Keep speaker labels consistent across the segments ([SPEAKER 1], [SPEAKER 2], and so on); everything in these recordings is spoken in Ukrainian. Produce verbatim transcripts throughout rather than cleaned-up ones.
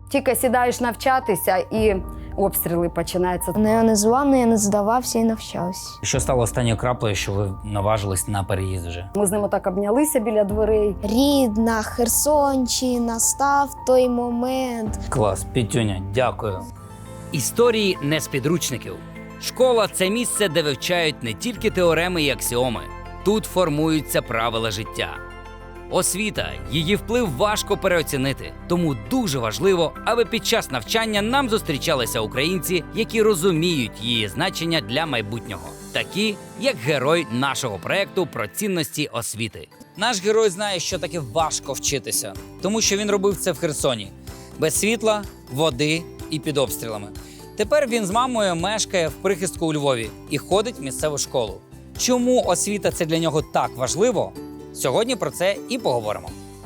[SPEAKER 1] Тільки сідаєш навчатися і обстріли починаються.
[SPEAKER 2] Незламний, я не здавався і навчався.
[SPEAKER 3] Що стало останньою краплею, що ви наважились на переїзд вже?
[SPEAKER 1] Ми з ним так обнялися біля дверей.
[SPEAKER 2] Рідна Херсонщина, настав той момент.
[SPEAKER 3] Клас, Петюня, дякую.
[SPEAKER 4] Історії не з підручників. Школа – це місце, де вивчають не тільки теореми і аксіоми. Тут формуються правила життя. Освіта, її вплив важко переоцінити. Тому дуже важливо, аби під час навчання нам зустрічалися українці, які розуміють її значення для майбутнього. Такі, як герой нашого проекту про цінності освіти.
[SPEAKER 3] Наш герой знає, що таке важко вчитися, тому що він робив це в Херсоні. Без світла, води і під обстрілами. Тепер він з мамою мешкає в прихистку у Львові і ходить в місцеву школу. Чому освіта – це для нього так важливо? Сьогодні про це і поговоримо.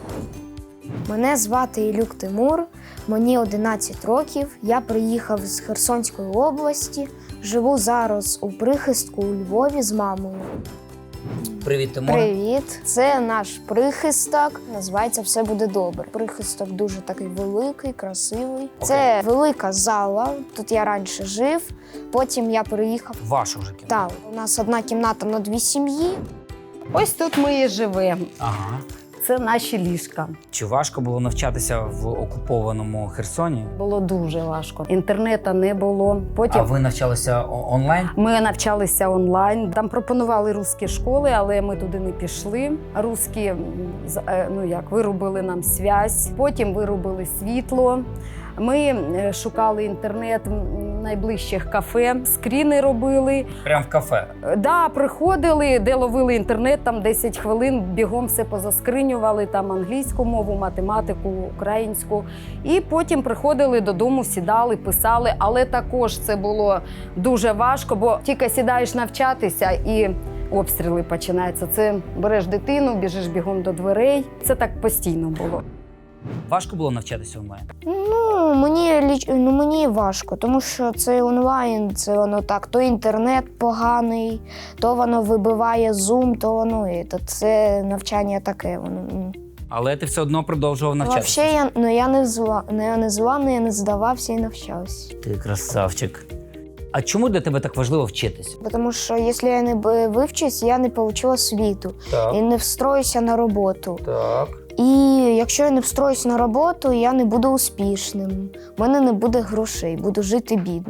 [SPEAKER 2] Мене звати Ілюк Тимур, мені одинадцять років, я приїхав з Херсонської області, живу зараз у прихистку у Львові з мамою.
[SPEAKER 3] Привіт, Тимур.
[SPEAKER 2] Привіт! Це наш прихисток, називається «Все буде добре». Прихисток дуже такий великий, красивий. Це велика зала, тут я раніше жив, потім я переїхав.
[SPEAKER 3] Вашу вже кімнату.
[SPEAKER 2] Так, у нас одна кімната на дві сім'ї.
[SPEAKER 1] Ось тут ми і живемо.
[SPEAKER 3] Ага.
[SPEAKER 1] Це наші ліжка.
[SPEAKER 3] Чи важко було навчатися в окупованому Херсоні?
[SPEAKER 1] Було дуже важко. Інтернету не було. Потім
[SPEAKER 3] А ви навчалися о- онлайн?
[SPEAKER 1] ми навчалися онлайн. Там пропонували русські школи, але ми туди не пішли. Русські, м, з- е, ну як, вирубили нам зв'язь, потім вирубили світло. Ми е, шукали інтернет в найближчих кафе, скріни робили.
[SPEAKER 3] Прямо в кафе?
[SPEAKER 1] Е, Да, приходили, де ловили інтернет, там десять хвилин, бігом все позаскринювали, там англійську мову, математику, українську. І потім приходили додому, сідали, писали. Але також це було дуже важко, бо тільки сідаєш навчатися і обстріли починаються. Це береш дитину, біжиш бігом до дверей. Це так постійно було.
[SPEAKER 3] Важко було навчатися онлайн?
[SPEAKER 2] Ну, мені, ліч- ну, мені важко, тому що це онлайн, це воно так, то інтернет поганий, то воно вибиває Zoom, то воно і то це навчання таке. Воно. м.
[SPEAKER 3] Але ти все одно продовжував навчатися?
[SPEAKER 2] Взагалі, я, ну, я не зла, не, не зламний, я не здавався і навчався.
[SPEAKER 3] Ти красавчик. А чому для тебе так важливо вчитися?
[SPEAKER 2] Бо Тому що якщо я не б- вивчусь, я не получу освіту
[SPEAKER 3] Так,
[SPEAKER 2] і не встроюся на роботу.
[SPEAKER 3] так.
[SPEAKER 2] І якщо я не встроюсь на роботу, я не буду успішним. У мене не буде грошей, буду жити бідно.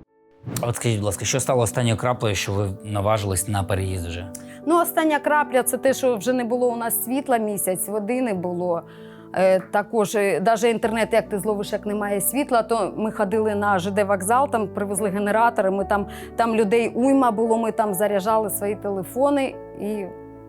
[SPEAKER 3] А от скажіть, будь ласка, що стало останньою краплею, що ви наважились на переїзд вже?
[SPEAKER 1] Ну, остання крапля – це те, що вже не було у нас світла місяць, води не було. Е, також, навіть інтернет, як ти зловиш, як немає світла, то ми ходили на ЖД вокзал, там привезли генератори, ми там, там людей уйма було, ми там заряджали свої телефони. І,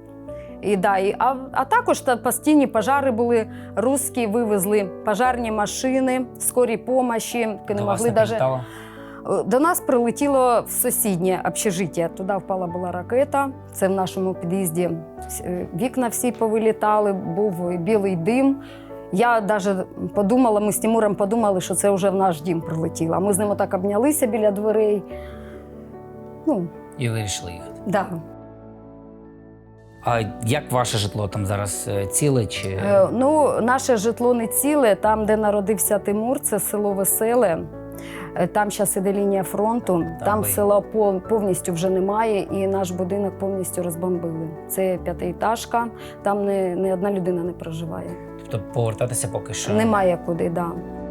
[SPEAKER 1] і, да, і, а, а також та постійні пожари були, русські вивезли пожарні машини, скорі помощі. Не
[SPEAKER 3] До вас
[SPEAKER 1] могли
[SPEAKER 3] не
[SPEAKER 1] даже...
[SPEAKER 3] прилітало?
[SPEAKER 1] До нас прилетіло в сусіднє общежиття. Туди впала була ракета. Це в нашому під'їзді вікна всі повилітали, був білий дим. Я навіть подумала, ми з Тимуром подумали, що це вже в наш дім прилетіло. Ми з ним так обнялися біля дверей. Ну,
[SPEAKER 3] І вирішили їхати.
[SPEAKER 1] да.
[SPEAKER 3] А як ваше житло там зараз е, ціле чи
[SPEAKER 1] Е, ну, наше житло не ціле. Там, де народився Тимур, це село Веселе. Е, Там зараз іде лінія фронту. Там,
[SPEAKER 3] Там ви-
[SPEAKER 1] села пов- повністю вже немає, і наш будинок повністю розбомбили. Це п'ятиетажка, там не, не одна людина не проживає.
[SPEAKER 3] тобто повертатися поки що?
[SPEAKER 1] Немає куди, да.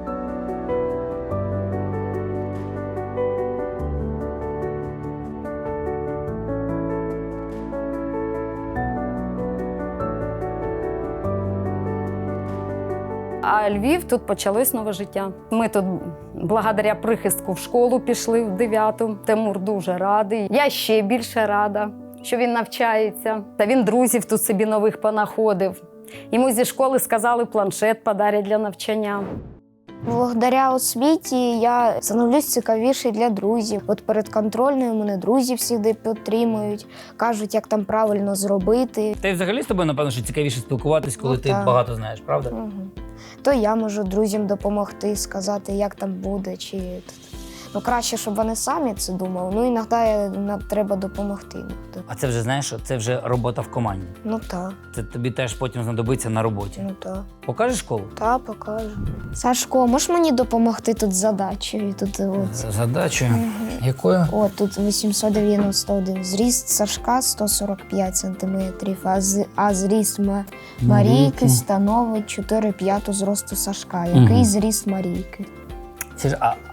[SPEAKER 1] А Львів, тут почалось нове життя. Ми тут благодаря прихистку в школу пішли в дев'яту. Тимур дуже радий. Я ще більше рада, що він навчається. Та він друзів тут собі нових понаходив. Йому зі школи сказали, планшет подарять для навчання.
[SPEAKER 2] Благодаря освіті я становлюсь цікавіший для друзів. От перед контрольною мене друзі завжди підтримують, кажуть, як там правильно зробити.
[SPEAKER 3] Та й взагалі з тобою, напевно, що цікавіше спілкуватись, коли
[SPEAKER 2] Ну,
[SPEAKER 3] ти
[SPEAKER 2] так.
[SPEAKER 3] багато знаєш, правда?
[SPEAKER 2] Угу. То я можу друзям допомогти, сказати, як там буде. Чи... Ну, краще, щоб вони самі це думали. Ну, іноді нам треба допомогти.
[SPEAKER 3] А це вже, знаєш, що це вже робота в команді.
[SPEAKER 2] Ну так,
[SPEAKER 3] Це тобі теж потім знадобиться на роботі.
[SPEAKER 2] ну так.
[SPEAKER 3] Покажеш школу?
[SPEAKER 2] Та, покажу. Сашко, можеш мені допомогти тут з задачею? Тут, от,
[SPEAKER 3] За задачею. Якою?
[SPEAKER 2] о, тут вісімсот дев'яносто один. Зріст Сашка сто сорок п'ять сантиметрів, а, з, а зріст Ма- Марійки становить чотири п'яту зросту Сашка. Який
[SPEAKER 3] Мгм.
[SPEAKER 2] зріст Марійки?
[SPEAKER 3] Це ж, а,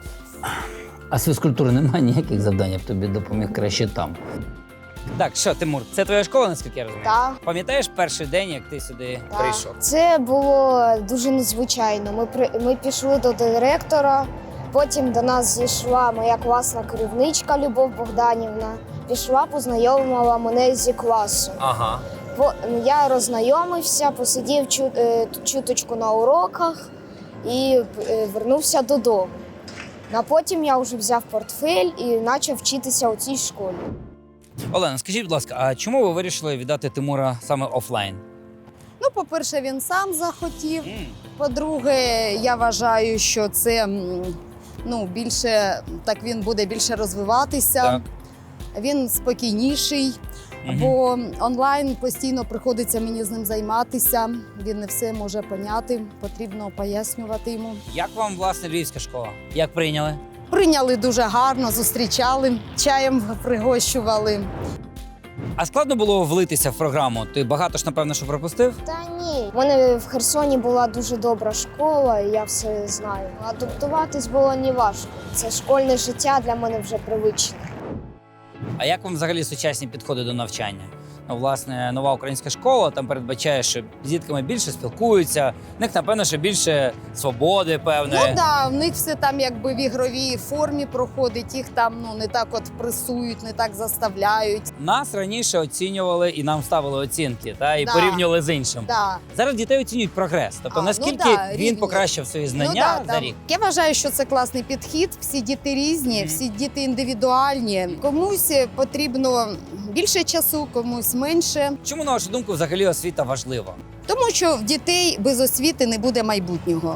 [SPEAKER 3] а з фізкультури немає ніяких завдань, я б тобі допоміг краще там. Так, що, Тимур, це твоя школа, наскільки я розумію?
[SPEAKER 2] Так.
[SPEAKER 3] Пам'ятаєш перший день, як ти сюди прийшов?
[SPEAKER 2] Це було дуже незвичайно. Ми, при, ми пішли до директора, потім до нас зійшла моя класна керівничка Любов Богданівна. Пішла, познайомила мене зі класом.
[SPEAKER 3] Ага.
[SPEAKER 2] По, я роззнайомився, посидів чу, е, чуточку на уроках і е, вернувся додому. А потім я вже взяв портфель і почав вчитися у цій школі.
[SPEAKER 3] Олена, скажіть, будь ласка, а чому ви вирішили віддати Тимура саме офлайн?
[SPEAKER 1] Ну, по-перше, він сам захотів. По-друге, я вважаю, що це м, ну, більше, так він буде більше розвиватися.
[SPEAKER 3] Так.
[SPEAKER 1] Він спокійніший,
[SPEAKER 3] Мгм.
[SPEAKER 1] бо онлайн постійно приходиться мені з ним займатися. Він не все може поняти, потрібно пояснювати йому.
[SPEAKER 3] Як вам, власне, львівська школа? Як прийняли?
[SPEAKER 1] Прийняли дуже гарно, зустрічали, чаєм пригощували.
[SPEAKER 3] А складно було влитися в програму? Ти багато ж, напевно, що пропустив?
[SPEAKER 2] Та ні. У мене в Херсоні була дуже добра школа, і я все знаю. Адаптуватись було не важко. Це школьне життя для мене вже привичне.
[SPEAKER 3] А як вам взагалі сучасні підходи до навчання? Ну, власне, нова українська школа там передбачає, що з дітками більше спілкуються, в них, напевно, що більше свободи, певне.
[SPEAKER 1] Ну так, да, в них все там якби в ігровій формі проходить, їх там ну не так от пресують, не так заставляють.
[SPEAKER 3] Нас раніше оцінювали і нам ставили оцінки, та, і
[SPEAKER 1] Да.
[SPEAKER 3] порівнювали з іншим.
[SPEAKER 1] Да.
[SPEAKER 3] Зараз дітей оцінюють прогрес. Тобто,
[SPEAKER 1] А, ну
[SPEAKER 3] наскільки
[SPEAKER 1] да,
[SPEAKER 3] він
[SPEAKER 1] рівні.
[SPEAKER 3] покращив свої знання
[SPEAKER 1] ну, да,
[SPEAKER 3] за
[SPEAKER 1] там.
[SPEAKER 3] рік.
[SPEAKER 1] Я вважаю, що це класний підхід. Всі діти різні,
[SPEAKER 3] Мгм.
[SPEAKER 1] всі діти індивідуальні. Комусь потрібно більше часу, комусь менше.
[SPEAKER 3] Чому, на вашу думку, взагалі освіта важлива?
[SPEAKER 1] Тому що в дітей без освіти не буде майбутнього.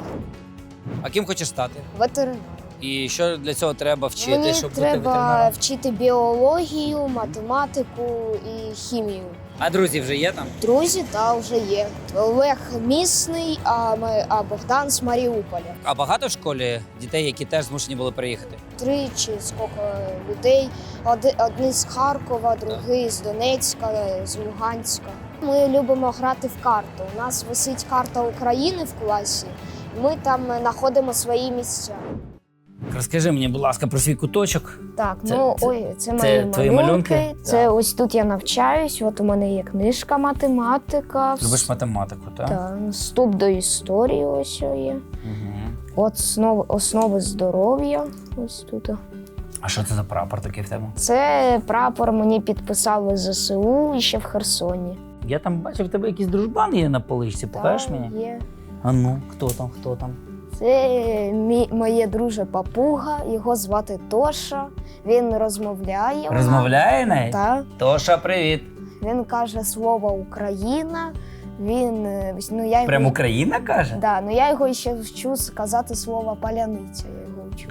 [SPEAKER 3] А ким хочеш стати?
[SPEAKER 2] Ветеринар.
[SPEAKER 3] І що для цього треба вчити,
[SPEAKER 2] Мені
[SPEAKER 3] щоб бути
[SPEAKER 2] треба
[SPEAKER 3] ветеринаром?
[SPEAKER 2] вчити біологію, математику і хімію.
[SPEAKER 3] А друзі вже є там?
[SPEAKER 2] Друзі, та вже є. Олег місний, а, ми- а Богдан з Маріуполя.
[SPEAKER 3] А багато в школі дітей, які теж змушені були приїхати?
[SPEAKER 2] Три чи скільки людей. Оди- Одні з Харкова, другий з Донецька, з Луганська. Ми любимо грати в карту. У нас висить карта України в класі. Ми там знаходимо свої місця.
[SPEAKER 3] Розкажи мені, будь ласка, про свій куточок.
[SPEAKER 2] Так,
[SPEAKER 3] Це-
[SPEAKER 2] ну
[SPEAKER 3] це-
[SPEAKER 2] ой, це,
[SPEAKER 3] це
[SPEAKER 2] мої
[SPEAKER 3] твої
[SPEAKER 2] малюнки.
[SPEAKER 3] малюнки?
[SPEAKER 2] Це
[SPEAKER 3] Так.
[SPEAKER 2] ось тут я навчаюсь. От у мене є книжка математика.
[SPEAKER 3] Любиш математику, так?
[SPEAKER 2] Так, вступ до історії ось є.
[SPEAKER 3] Угу.
[SPEAKER 2] От основи, основи здоров'я. Ось тут.
[SPEAKER 3] А що це за прапор такий в тебе?
[SPEAKER 2] Це прапор мені підписали з ЗСУ ще в Херсоні.
[SPEAKER 3] Я там бачив, в тебе якийсь дружбан є на поличці. Покажеш
[SPEAKER 2] Так,
[SPEAKER 3] мені?
[SPEAKER 2] Є.
[SPEAKER 3] А ну, хто там, хто там?
[SPEAKER 2] Це мій, моє друже папуга, його звати Тоша. Він розмовляє.
[SPEAKER 3] Розмовляє навіть?
[SPEAKER 2] Так.
[SPEAKER 3] Тоша, привіт.
[SPEAKER 2] Він каже слово Україна. Він е, ну я його
[SPEAKER 3] Прям Україна каже?
[SPEAKER 2] да, ну я його ще вчу сказати слово паляниця. Я його вчу.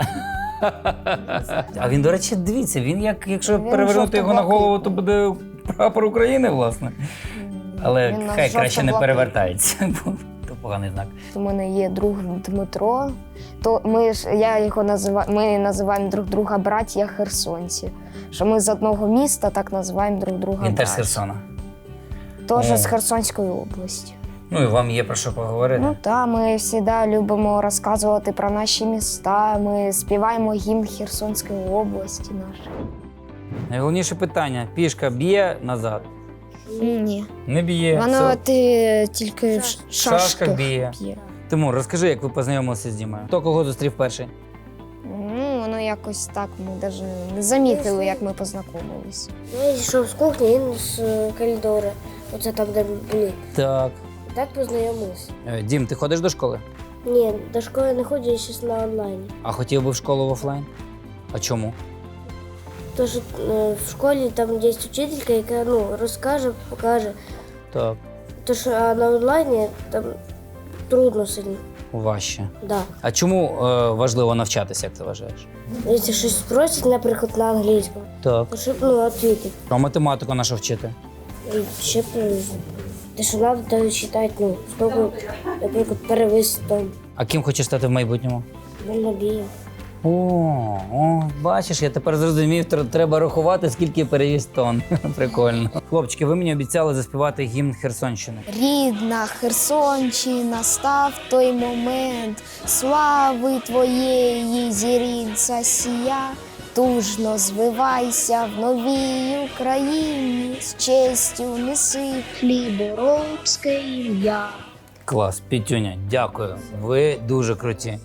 [SPEAKER 3] А він, до речі, дивіться, він як якщо
[SPEAKER 2] Він
[SPEAKER 3] перевернути його на голову, то
[SPEAKER 2] жовто-блакитний.
[SPEAKER 3] буде прапор України, власне. Але
[SPEAKER 2] Він
[SPEAKER 3] хай краще не
[SPEAKER 2] жовто-блакитний.
[SPEAKER 3] перевертається, бо то поганий знак.
[SPEAKER 2] У мене є друг Дмитро. То ми ж я його називаю. Ми називаємо друг друга браття херсонці. Що ми з одного міста так називаємо друг друга.
[SPEAKER 3] Він теж з
[SPEAKER 2] браття.
[SPEAKER 3] Херсона.
[SPEAKER 2] Теж
[SPEAKER 3] О.
[SPEAKER 2] з Херсонської області.
[SPEAKER 3] Ну і вам є про що поговорити.
[SPEAKER 2] Ну так, ми завжди любимо розказувати про наші міста. Ми співаємо гімн Херсонської області нашої.
[SPEAKER 3] Найголовніше питання: пішка б'є назад?
[SPEAKER 2] Ні.
[SPEAKER 3] Не б'є.
[SPEAKER 2] Воно
[SPEAKER 3] Все.
[SPEAKER 2] ти тільки в ш-
[SPEAKER 3] В шашках
[SPEAKER 2] шашках
[SPEAKER 3] б'є.
[SPEAKER 2] б'є.
[SPEAKER 3] Тимур, розкажи, як ви познайомилися з Дімою. Хто кого зустрів перший?
[SPEAKER 2] Ну, воно якось так, ми навіть не замітили, як ми познайомилися.
[SPEAKER 5] Я йшов з кухні, він з е, коридору. Оце там, де ми були.
[SPEAKER 3] Так.
[SPEAKER 5] Так познайомилися.
[SPEAKER 3] Е, Дім, ти ходиш до школи?
[SPEAKER 5] Ні, до школи не ходжу, я зараз на онлайні.
[SPEAKER 3] А хотів би в школу в офлайн? А чому?
[SPEAKER 5] Тож е, в школі там є вчителька, яка ну, розкаже, покаже.
[SPEAKER 3] Так.
[SPEAKER 5] Тож а на онлайні там трудно сильно.
[SPEAKER 3] Важче.
[SPEAKER 5] Да.
[SPEAKER 3] А чому е, важливо навчатися, як ти вважаєш?
[SPEAKER 5] Якщо щось спросять, наприклад, на англійському,
[SPEAKER 3] Так.
[SPEAKER 5] то щоб ну, відповідати.
[SPEAKER 3] А математику нашу вчити?
[SPEAKER 5] І ще б, е, те, що треба, то читати, ну, скільки, наприклад, перевис там,
[SPEAKER 3] А ким хочеш стати в майбутньому?
[SPEAKER 5] дальнобієм.
[SPEAKER 3] О, о, бачиш, я тепер зрозумів, тр- треба рахувати, скільки перевіз тонн. Прикольно. Хлопчики, ви мені обіцяли заспівати гімн Херсонщини.
[SPEAKER 2] Рідна Херсонщина, став той момент, слави твоєї зірінця сія. Тужно звивайся в новій Україні, з честю неси хліборобське ім'я.
[SPEAKER 3] Клас, Пітюня, дякую. Ви дуже круті.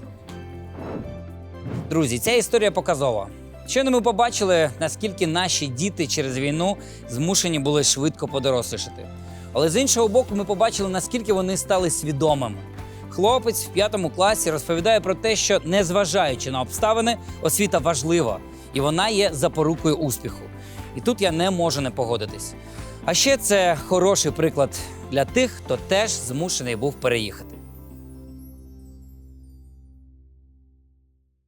[SPEAKER 3] Друзі, ця історія показова. Щойно ми побачили, наскільки наші діти через війну змушені були швидко подорослішати. Але з іншого боку, ми побачили, наскільки вони стали свідомими. Хлопець в п'ятому класі розповідає про те, що, незважаючи на обставини, освіта важлива, і вона є запорукою успіху. І тут я не можу не погодитись. А ще це хороший приклад для тих, хто теж змушений був переїхати.